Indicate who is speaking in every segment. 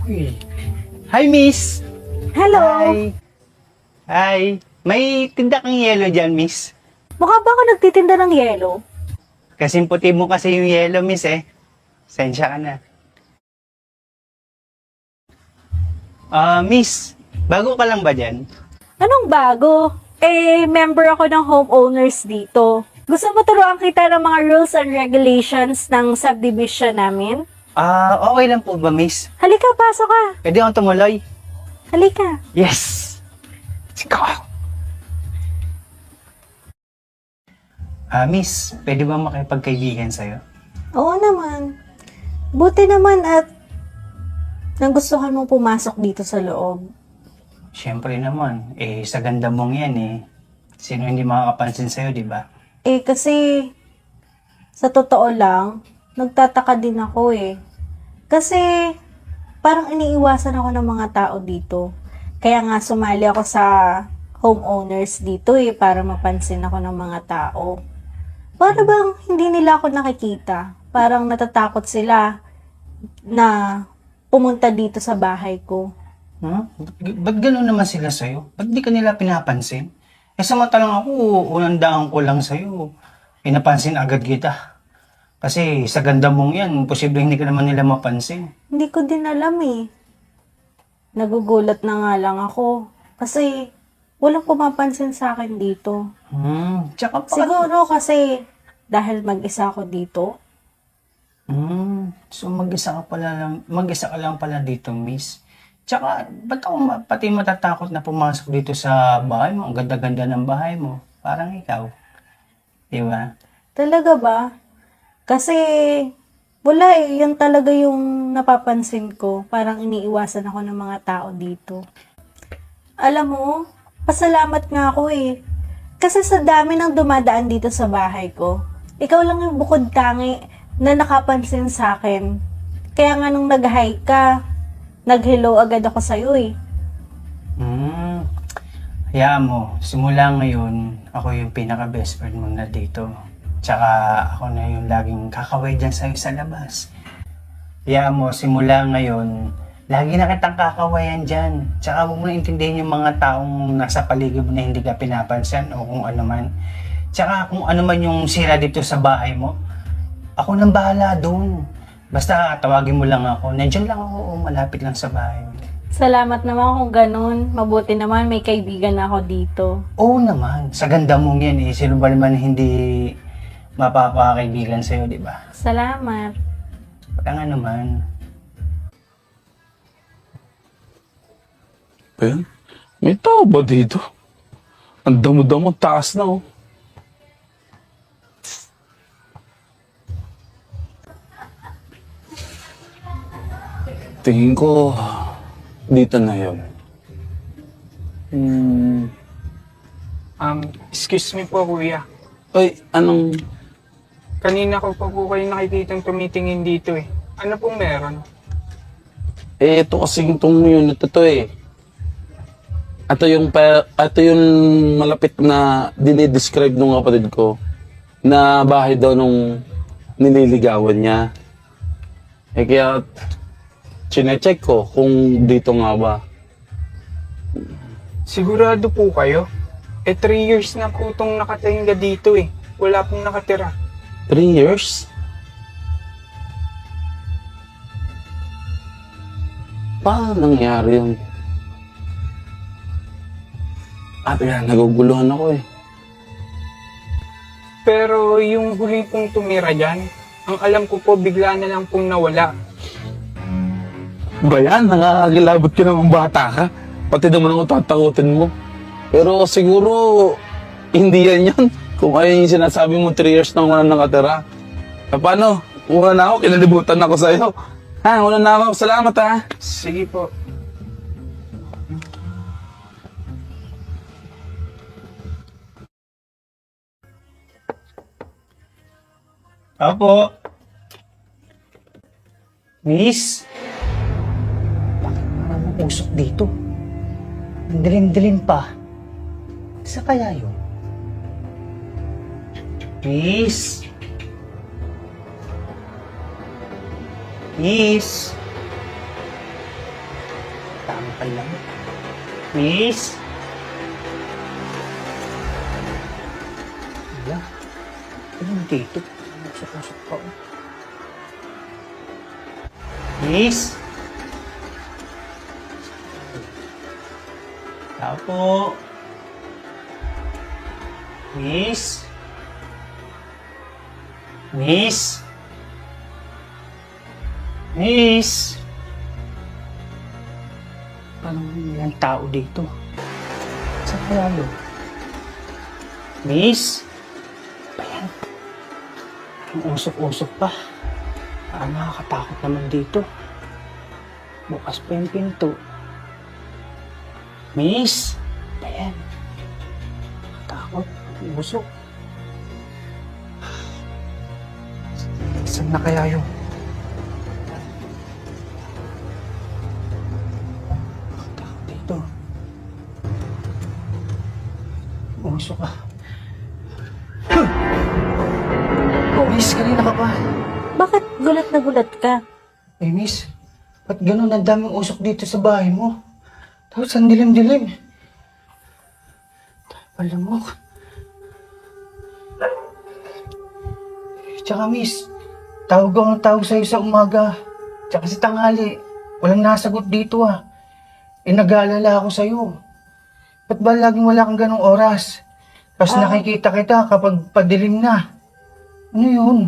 Speaker 1: Uy. Hi, miss!
Speaker 2: Hello!
Speaker 1: Hi! Hi! May tinda kang yelo dyan, miss.
Speaker 2: Mukha ba ako nagtitinda ng yelo?
Speaker 1: Kasing puti mo kasi yung yelo, miss eh. Sensya ka na. Miss, bago ka lang ba dyan?
Speaker 2: Anong bago? Member ako ng homeowners dito. Gusto mo turuan kita ng mga rules and regulations ng subdivision namin?
Speaker 1: Okay lang po ba, miss?
Speaker 2: Halika, pasok ka.
Speaker 1: Pwede akong tumuloy?
Speaker 2: Halika.
Speaker 1: Yes! Let's go! Miss, pwede ba makipagkaibigan sa'yo?
Speaker 2: Oo naman. Buti naman at nagustuhan mong pumasok dito sa loob.
Speaker 1: Siyempre naman, sa ganda mong yan Sino hindi makakapansin sa'yo, di ba?
Speaker 2: Kasi sa totoo lang, nagtataka din ako Kasi parang iniiwasan ako ng mga tao dito. Kaya nga sumali ako sa homeowners dito para mapansin ako ng mga tao. Para bang hindi nila ako nakikita. Parang natatakot sila na pumunta dito sa bahay ko.
Speaker 1: Ba't gano'n naman sila sa'yo? Ba't di ka nila pinapansin? Samantalang ako, unang daan ko lang sa'yo. Pinapansin agad kita. Kasi sa ganda mong yan, posible hindi ka naman nila mapansin.
Speaker 2: Hindi ko din alam Nagugulat na nga lang ako. Kasi walang pumapansin sa akin dito.
Speaker 1: Tsaka pa...
Speaker 2: Siguro kasi dahil mag-isa ako dito.
Speaker 1: So mag-isa ka lang pala dito, miss. Tsaka, ba't ako pati matatakot na pumasok dito sa bahay mo? Ang ganda-ganda ng bahay mo. Parang ikaw. Di ba?
Speaker 2: Talaga ba? Kasi wala Yan talaga yung napapansin ko. Parang iniiwasan ako ng mga tao dito. Alam mo, pasalamat nga ako Kasi sa dami ng dumadaan dito sa bahay ko, ikaw lang yung bukod tangi na nakapansin sa akin. Kaya nga nung nag-hi ka, nag-hello agad ako sa'yo
Speaker 1: Hayaan mo, simula ngayon, ako yung pinaka-best friend mo na dito. Tsaka ako na yung laging kakaway dyan sa'yo sa labas. Hayaan mo, simula ngayon, lagi na kitang kakawayan dyan. Tsaka huwag mo na intindihin yung mga taong nasa paligid mo na hindi ka pinapansin o kung ano man. Tsaka kung ano man yung sira dito sa bahay mo, ako nang bahala doon. Basta tawagin mo lang ako. Nandiyan lang ako, malapit lang sa bahay.
Speaker 2: Salamat naman kung ganun. Mabuti naman may kaibigan ako dito.
Speaker 1: Oo naman, sa ganda mong yan Sino ba naman hindi mapapakaibigan sa'yo, di ba?
Speaker 2: Salamat.
Speaker 1: Wala nga naman.
Speaker 3: Ben, may tao ba dito? Ang damo-damo, taas na Tingin ko, dito na yun.
Speaker 4: Excuse me po, kuya.
Speaker 3: Ay, anong...
Speaker 4: Kanina ko pa po kayo nakikitang tumitingin dito Ano pong meron?
Speaker 3: Ito kasing itong unit na to Ito yung malapit na dinidescribe nung kapatid ko na bahay daw nung nililigawan niya. Kaya chinecheck ko kung dito nga ba.
Speaker 4: Sigurado po kayo? 3 years na po itong nakatingga dito Wala pong nakatira.
Speaker 3: 3 years? Paano nangyari yun? Naguguluhan ako
Speaker 4: Pero yung huli pong tumira dyan, ang alam ko po bigla na lang pong nawala.
Speaker 3: Bayan, nakakagilabot ka namang bata ka. Pati naman ako tatakutin mo. Pero siguro, hindi yan yun. Kung ayun yung sinasabi mo, 3 years na wala nakatira. Paano? Una na ako, kinalibutan ako sa'yo. Una na ako. Salamat
Speaker 4: Sige po.
Speaker 1: Opo. Miss? Bakit naman usok dito? Ang dilim-dilim pa. Isa kaya yun? Miss? Miss? Alam. Miss? Wala. Ano dito? Usok-usok pa. Miss? Tao po. Miss? Miss? Miss? Parang walang tao dito. Saan kaya yun? Miss? Ayan. Ang usok-usok pa. Nakakatakot naman dito. Bukas pa yung pinto. Miss? Ayan. Takot. Usok. Saan na kaya yun? Takot dito. Usok ka. Miss, kanina ka pa.
Speaker 2: Bakit gulat na gulat ka?
Speaker 1: Eh, miss, ba't ganun ang daming usok dito sa bahay mo? Tapos ang dilim-dilim. Alam mo. Tsaka miss, tawag ako ng tawag sa'yo sa umaga. Tsaka sa tanghali. Walang nasagot dito ah. Eh, nag-aalala ako sa'yo. Ba't ba laging wala kang ganong oras? Tapos nakikita kita kapag padilim na. Ano yun?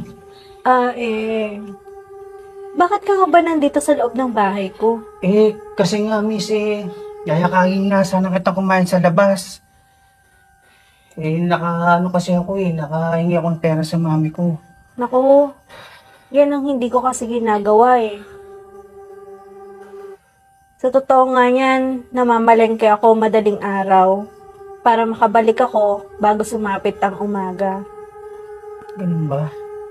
Speaker 2: Bakit ka nga ba nandito sa loob ng bahay ko?
Speaker 1: Eh, kasi nga miss yayakain na sana kita kumain sa labas. Eh, kasi ako nakahingi akong pera sa mami ko.
Speaker 2: Naku, yan ang hindi ko kasi ginagawa eh. Sa totoo nga yan, namamalengke ako madaling araw para makabalik ako bago sumapit ang umaga.
Speaker 1: Ganun ba?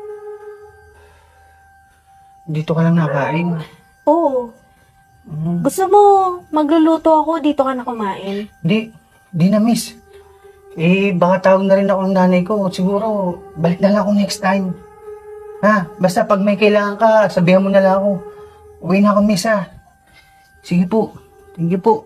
Speaker 1: Dito ka lang nakain.
Speaker 2: Oo. Gusto mo magluluto ako, dito ka na kumain?
Speaker 1: Di na miss. Eh, baka tawag na rin ako ng nanay ko. Siguro, balik na lang ako next time. Ha? Basta pag may kailangan ka, sabihan mo na lang ako. Uwi na ako miss ha. Sige po. Thank you po.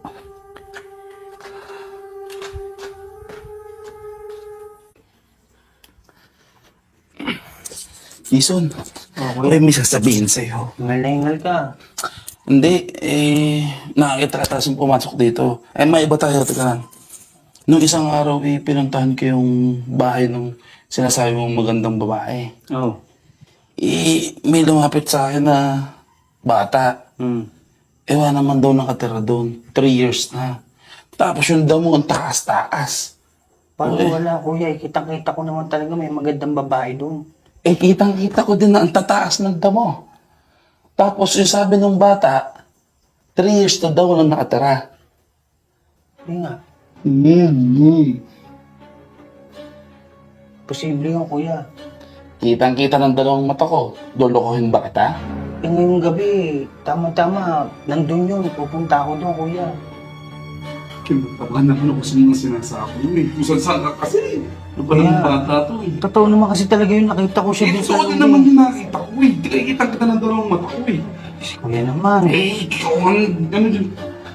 Speaker 3: Jason, okay. May sasabihin sa'yo.
Speaker 1: Hingal ka.
Speaker 3: Hindi, nakakita ka tapos pumasok dito. May iba tayo, teka lang. Nung isang araw, pinuntahan ko yung bahay ng sinasabi mong magandang babae.
Speaker 1: Oh.
Speaker 3: May lumapit sa akin na bata.
Speaker 1: Hmm.
Speaker 3: Ewan naman daw nakatira doon. 3 years na. Tapos yung damo, ang taas-taas.
Speaker 1: Paano wala kuya? Kitang-kita ko naman talaga may magandang babae doon.
Speaker 3: Kitang-kita ko din na ang tataas ng damo. Tapos yung sabi ng bata, 3 years na daw lang nakatira.
Speaker 1: Hindi nga.
Speaker 3: Mm-hmm.
Speaker 1: Posible yun kuya.
Speaker 3: Kitang-kita ng dalawang mata ko. Lolokohin ba kita?
Speaker 1: Eh ngayong gabi, tama-tama, nandun yun. Pupunta ako doon kuya.
Speaker 3: Kinatabahan ako sa mga sinasabi mo eh. Kung saan ka kasi. Ano ba ng bata to eh?
Speaker 1: Totoo naman kasi talaga yun. Nakita ko siya
Speaker 3: Gusto ko din naman yung nakita ko eh. Di kaya kita ng dalawang mata ko eh.
Speaker 1: Kuya naman.
Speaker 3: Ikaw ang ano dyan.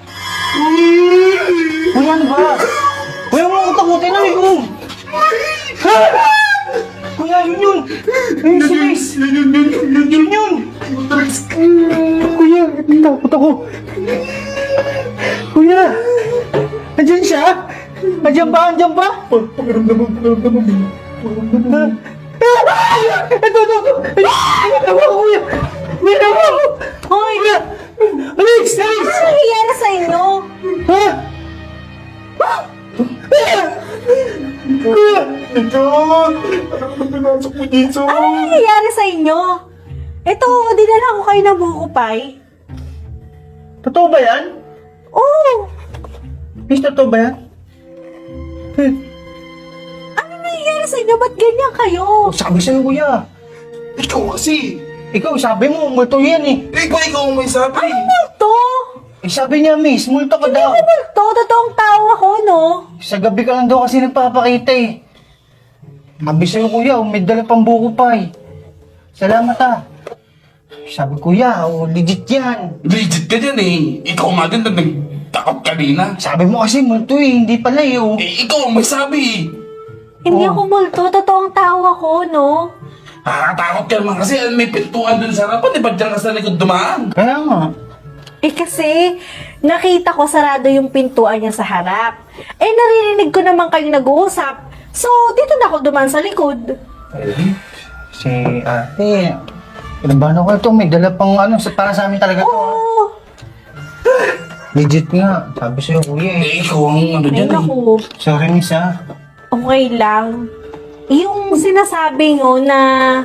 Speaker 1: Kuya, ano ba? Kuya, mo ako takutin na ko. Kuya, yun. Ayun si Miss. Yun. Kuya, takot ako. Kuya, andyan siya? Andyan ba? Pakiramdaman mo. Ito. Tawa ko, kuya. May tawa ko.
Speaker 2: Hoy!
Speaker 1: Alex!
Speaker 2: Ano nangyayari sa inyo?
Speaker 1: Ha? Kuya! Ito! Ano ba pinasok mo dito?
Speaker 2: Ano nangyayari sa inyo? Ito, dinala ko kayo ng buko-pay.
Speaker 1: Totoo ba yan?
Speaker 2: Oo!
Speaker 1: Miss, totoo ba yan?
Speaker 2: Ano nangyayari sa inyo? Ba't ganyan kayo?
Speaker 1: Sabi sa'yo, kuya.
Speaker 3: Ikaw kasi.
Speaker 1: Ikaw, sabi mo, multo yan eh.
Speaker 3: Ikaw ang may sabi.
Speaker 2: Multo?
Speaker 1: Eh, sabi niya, miss, multo ka
Speaker 2: Hindi
Speaker 1: daw.
Speaker 2: ako multo. Totoong tao ako, no?
Speaker 1: Sa gabi ka lang daw kasi nagpapakita eh. Sabi sa'yo, kuya, may dala pang buko pa eh. Salamat ah. Sabi, kuya, legit yan.
Speaker 3: Legit ka dyan eh. Ikaw nga din na kanina.
Speaker 1: Sabi mo kasi multo eh, hindi pala eh. Oh.
Speaker 3: Eh, ikaw ang may sabi eh.
Speaker 2: Hindi
Speaker 1: Oh.
Speaker 2: ako multo, totoong tao ako, no?
Speaker 3: Nakakatakot ka naman kasi may pintuan dun sa harapan. Di ba dyan ka sa likod dumaan?
Speaker 1: Kaya nga.
Speaker 2: Eh kasi, nakita ko sarado yung pintuan niya sa harap. Eh naririnig ko naman kayong nag-uusap. So, dito na ako duman sa likod.
Speaker 3: Eh,
Speaker 1: Si ate, kinabahan ako ito. May dala pang ano, para sa amin talaga to. ah.
Speaker 2: Oo.
Speaker 1: Legit nga. Sabi sa'yo kuya eh.
Speaker 3: eh, ikaw ang ano
Speaker 2: Ay,
Speaker 3: dyan eh.
Speaker 2: naku.
Speaker 1: Sorry miss ah.
Speaker 2: Okay lang. Yung sinasabi nyo na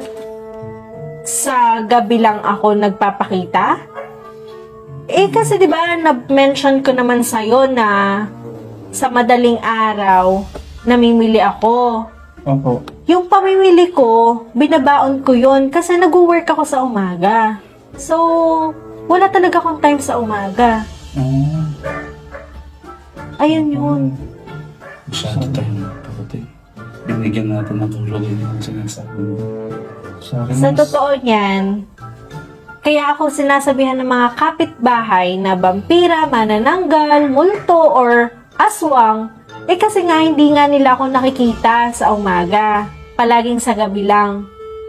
Speaker 2: sa gabi lang ako nagpapakita? Eh kasi 'di ba na-mention ko naman sa'yo na sa madaling araw namimili ako.
Speaker 1: Opo.
Speaker 2: Yung pamimili ko, binabaon ko yon kasi nag-work ako sa umaga. So, wala talaga akong time sa umaga.
Speaker 1: Mm.
Speaker 2: Ayun yun.
Speaker 3: Masyado tayo kapatid. Binigyan natin ng tulog yung sinasabi mo.
Speaker 1: Sorry
Speaker 2: Sa
Speaker 1: miss.
Speaker 2: totoo niyan, kaya ako sinasabihan ng mga kapitbahay na vampira, manananggal, multo, or aswang, eh kasi nga hindi nga nila ako nakikita sa umaga. Palaging sa gabi lang.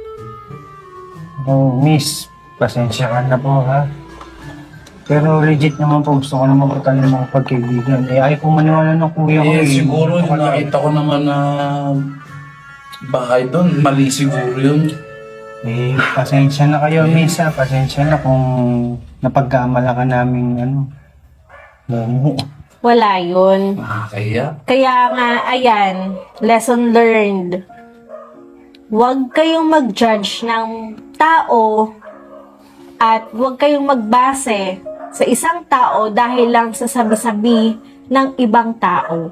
Speaker 1: Oh, miss. Pasensya ka na po ha. Pero legit naman po, gusto ko naman po tayo ng mga pagkaibigan. Eh, ayaw ko maniwala ng kuya ko.
Speaker 3: Eh, siguro yung nakita ko naman na bahay doon, mali siguro yun.
Speaker 1: Eh, pasensya na kayo, miss ha. Pasensya na kung napagkamala ka namin, ano, momo.
Speaker 2: Wala yun.
Speaker 3: Nakakaya.
Speaker 2: Kaya nga, ayan, lesson learned. Huwag kayong mag-judge ng tao at huwag kayong magbase sa isang tao dahil lang sa sabi-sabi ng ibang tao.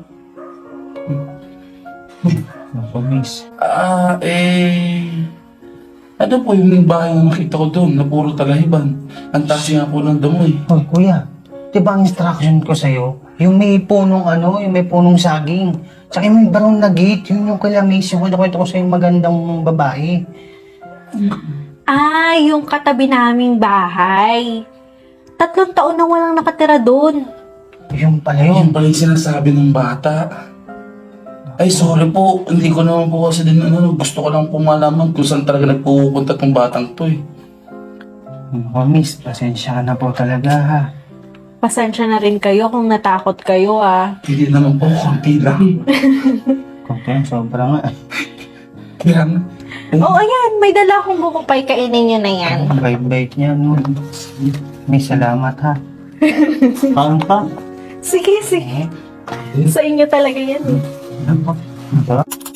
Speaker 1: Ako, miss.
Speaker 3: Ano po yung bahay na nakita ko doon na puro talahiban? Ang taas nga po ng damo eh.
Speaker 1: Hoy, kuya. Di ba ang instruction ko sa'yo? Yung may punong ano, yung may punong saging. Tsaka yung may barong na gate, yun yung kala miss. Yung kwento ko sa'yo yung magandang babae.
Speaker 2: Ah, yung katabi naming bahay. 3 taon na walang nakatira doon.
Speaker 1: Yung pala
Speaker 3: Yun
Speaker 1: yun.
Speaker 3: pala yung sinasabi ng bata. Ay, sorry po. Hindi ko naman po kasi din ano. Gusto ko lang po malaman kung saan talaga nagpupunta tong batang to eh.
Speaker 1: Ako, miss. Pasensya ka na po talaga ha.
Speaker 2: Pasensya na rin kayo kung natakot kayo ah.
Speaker 3: Hindi naman po, konti lang.
Speaker 1: Kung sobra nga.
Speaker 3: Kaya nga.
Speaker 2: Oh, ayan, may dala akong bukupay, kainin nyo na yan.
Speaker 1: Ang bait-bait niya, no? Miss, salamat ha. Paano pa?
Speaker 2: Sige, sige. Sa inyo talaga yan.
Speaker 1: Ano pa?